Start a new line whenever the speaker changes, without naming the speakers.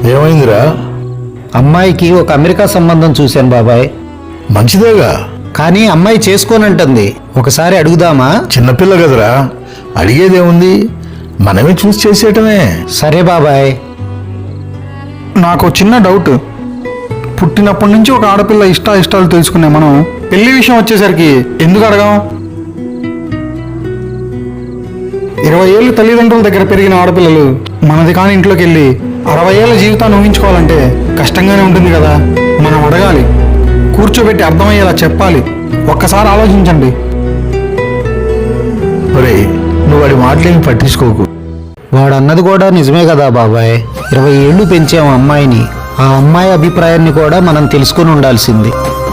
ఏమైందిరా?
అమ్మాయికి ఒక అమెరికా సంబంధం చూశాను బాబాయ్.
మంచిదేగా,
కానీ అమ్మాయి చేసుకోనంటుంది. ఒకసారి అడుగుదామా?
చిన్నపిల్ల కదరా, అడిగేదేముంది, మనమే చూసి చేసేయటమే.
సరే బాబాయ్.
నాకు చిన్న డౌట్. పుట్టినప్పటి నుంచి ఒక ఆడపిల్ల ఇష్టాలు తెలుసుకునే మనం పెళ్లి విషయం వచ్చేసరికి ఎందుకు అడగాం? 20 ఏళ్ళు తల్లిదండ్రుల దగ్గర పెరిగిన ఆడపిల్లలు మనది కాని ఇంట్లోకి వెళ్ళి 60 ఏళ్ళ జీవితాన్ని ఊహించుకోవాలంటే కష్టంగానే ఉంటుంది కదా. మనం అడగాలి, కూర్చోబెట్టి అర్థమయ్యేలా చెప్పాలి. ఒక్కసారి ఆలోచించండి.
ఒరేయ్, నువ్వు వాడి మాటలేమి పట్టించుకోకు.
వాడన్నది కూడా నిజమే కదా బాబాయ్. 20 ఏళ్ళు పెంచాము అమ్మాయిని. ఆ అమ్మాయి అభిప్రాయాన్ని కూడా మనం తెలుసుకుని ఉండాల్సింది.